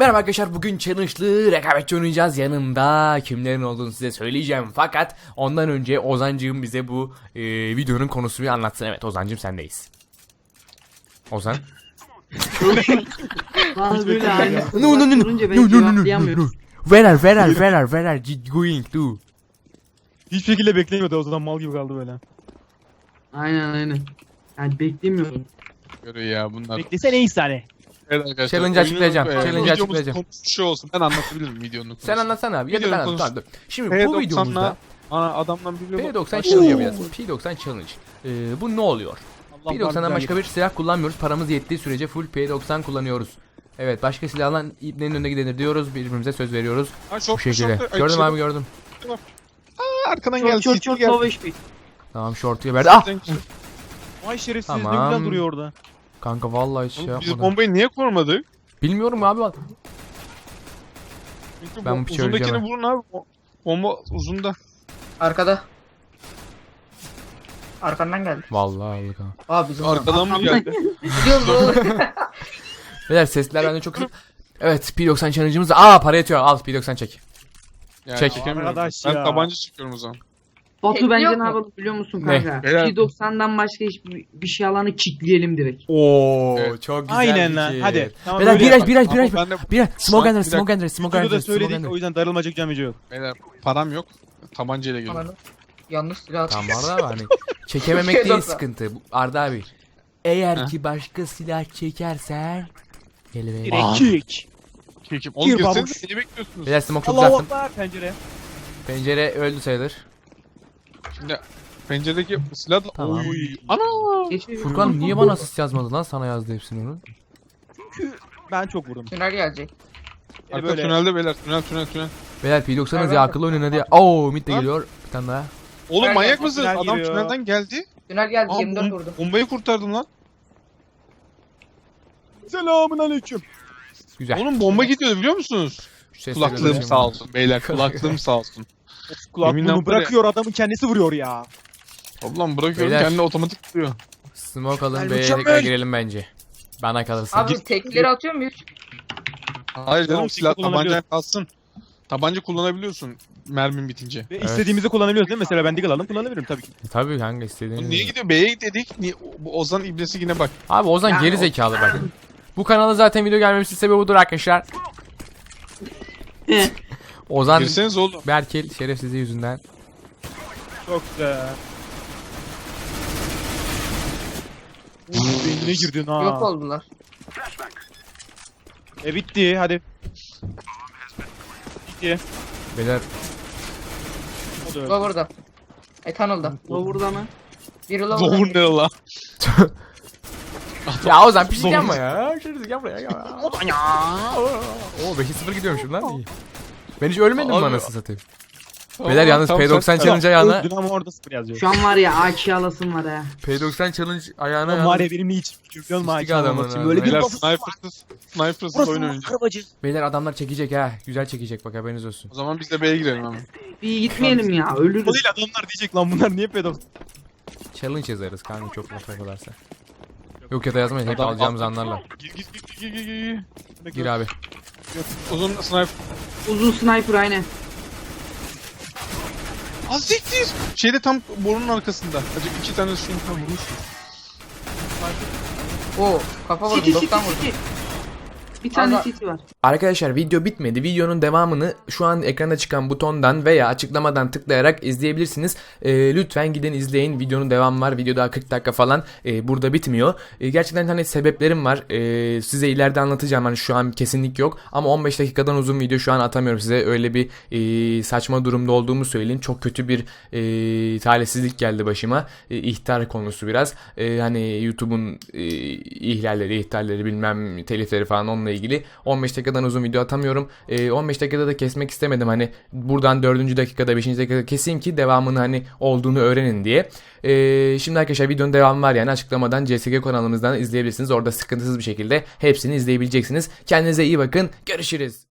Merhaba arkadaşlar, bugün challenge'lı rekabetçi oynayacağız. Yanımda kimlerin olduğunu size söyleyeceğim. Fakat ondan önce Ozancığım bize bu videonun konusunu anlatsın. Evet Ozancığım, sendeyiz. Ozan. Bazı böyle abi. No. Where are you going to? Hiçbir şekilde beklemiyordu, o zaman mal gibi kaldı böyle. Aynen. Yani beklemiyorum. Göre ya bunlar. Beklesene neyse hani. Evet arkadaşlar. Challenge açıklayacağım, oyunun, challenge videomuz açıklayacağım. konusu şu olsun. Ben anlatabilirim videonun konusu. Sen anlatsana abi ya da ben Videonun anlatayım. konusu. Tamam, dur. Şimdi bu videomuzda Ana adamdan bir P90 challenge yapacağız. P90 challenge. Bu ne oluyor? Allah P90'dan var, başka bir silah kullanmıyoruz. Paramız yettiği sürece full P90 kullanıyoruz. Evet, başka silahla iplerin önüne gidenir diyoruz. Birbirimize söz veriyoruz. Bu şekilde. Gördüm abi, gördüm. Arkadan geldi. Çok low HP. Tamam, short'uya verdi. Ah! Vay şerefsiz, Tamam. ne güzel duruyor orada. Kanka vallahi hiç şey Biz yapmadım. bombayı niye korumadık? Bilmiyorum abi. Çünkü Ben bu piçi uzundakini öleceğim. vurun abi. Bomba uzunda. Arkada. Arkandan geldi. Vallahi aldık ha. Abi bizim Arkadan mı geldi? Gidiyoruz oğlum. Beyler, sesler bende çok kısık. Evet, P90 challenge'ımız. Aa, para yetiyor. Al P90 çek. Yani Çek. çekemiyorum. Arkadaş Ben ya. tabanca çekiyorum o zaman. Batu bence Yok ne mu? yapalım biliyor musun Ne? kanka? Beyler- P90'dan başka hiçbir şey alanı kickleyelim direkt. Oo, Evet. çok güzel. Aynen lan, fikir. hadi. Tamam, Beyler, böyle biraz yapalım. Ama ben de smoke Bir ender, dakika. smoke ender, smoke Videoda ender, da smoke söyledik, ender. o yüzden darılmacık camici yok. beyler param yok. Tabancayla geliyorum. Ananı. Yanlış silah Tamam atıyor. Arda abi, hani çekememek değil P90. sıkıntı. Arda abi, eğer Heh. ki başka silah çekersen gel be. Direkt kick. Çekim. Oğlum Gir girsenize, babuş. seni bekliyorsunuz. Beyler, smoke çok Allahu uzattım. Akbar pencere. Pencere öldü sayılır. Şimdi penceredeki silah da... Tamam. Oy. Ana! Geçiyor. Furkan niye bana asist yazmadı lan? Sana yazdı hepsini onun. Ben çok vurdum. Tünel gelecek. Arka böyle- tünelde beyler. Tünel. Beyler P90'ız Evet. ya, akıllı oynayın hadi. Oo, mid de geliyor. Bir tane daha. Oğlum Tünel manyak geldi, mısın? tünel Adam giriyor. tünelden geldi. Tünel geldi. Aa, 24 vurdum. bombayı kurtardım lan. Selamun aleyküm. Güzel. Oğlum bomba gidiyordu biliyor musunuz? Şu sesleri Kulaklığım duyayım. sağ olsun beyler. Kulaklığım sağ olsun. Yeminle Kulaklığını bırakıyor, adamın kendisi vuruyor ya. Ablam bırakıyorum Beyler. kendi otomatik tutuyor. Smoke alın, Gel, B'ye mükemmel. tekrar girelim bence. Bana kalırsa. Abi tekleri atıyor muyuz? Hayır canım Tamam, silah kullanabiliyorsun. tabancaya kalsın. Tabanca kullanabiliyorsun mermin bitince. Ve Evet. istediğimizi kullanabiliyoruz değil mi? Mesela ben deagle aldım, kullanabilirim tabii ki. Tabii kanka, Oğlum istediğiniz. niye gidiyor? B'ye dedik. Niye? Bu Ozan iblisi yine bak. Abi Ozan Ya geri o- zekalı bak. Bu kanala zaten video gelmemesinin sebebi budur arkadaşlar. Ozan Girseniz oğlum. Berkel şerefsizliği yüzünden. Çok güzel. Beynine girdin ha. Yok oldular. Bitti, hadi. Bitti. Beyler O da öldü. Lower'da. Tunnel'da. Lower'da mı? Biri lower'da. Doğru ne la? ya Ozan bir şey yapma ya. Şerefsiz gel buraya ya. Oo 5-0 gidiyormuşum lan. İyi. Ben hiç ölmedim mi Abi- anasını satayım? Beyler yalnız P90 challenge ayağına. Öldün ama orada 0 yazıyor. Şu an var ya AK alasım var ha. P90 challenge ayağına Lan var yalnız. ya benim hiç fikrim yok mu Sıçtık açıklamak adamın için. ha. Böyle bir Beyler lafı snipersız burası oyun mı oynayacak. kırbacı? Beyler adamlar çekecek ha. Güzel çekecek, bak haberiniz olsun. O zaman biz de B'ye girelim hemen. Bir gitmeyelim ya, ölürüz. O değil, adamlar diyecek lan bunlar niye pedof? Challenge yazarız kanka, çok laf yakalarsa. Yok ya da yazmayın, hep Adam- alacağımızı anlarlar. Gir. Gir abi. Uzun sniper. Uzun sniper aynen. Az siktir. Şeyde tam borunun arkasında. Acık 2 tane şunu tam vurmuş. Oo, kafa vurdum. City 90 vurdum. Bir tane Ama- city var. Arkadaşlar video bitmedi. Videonun devamını şu an ekranda çıkan butondan veya açıklamadan tıklayarak izleyebilirsiniz. Lütfen gidin izleyin. Videonun devamı var. Video daha 40 dakika falan. Burada bitmiyor. Gerçekten hani sebeplerim var. Size ileride anlatacağım. Hani şu an kesinlik yok. Ama 15 dakikadan uzun video şu an atamıyorum size. Öyle bir saçma durumda olduğumu söyleyeyim. Çok kötü bir talihsizlik geldi başıma. İhtar konusu biraz. Hani YouTube'un ihlalleri bilmem telifleri falan onunla ilgili 15 dakikadan uzun video atamıyorum. 15 dakikada da kesmek istemedim. Hani buradan 4. dakikada 5. dakikada keseyim ki devamını hani olduğunu öğrenin diye. Şimdi arkadaşlar videonun devamı var, yani açıklamadan CSGO kanalımızdan izleyebilirsiniz. Orada sıkıntısız bir şekilde hepsini izleyebileceksiniz. Kendinize iyi bakın. Görüşürüz.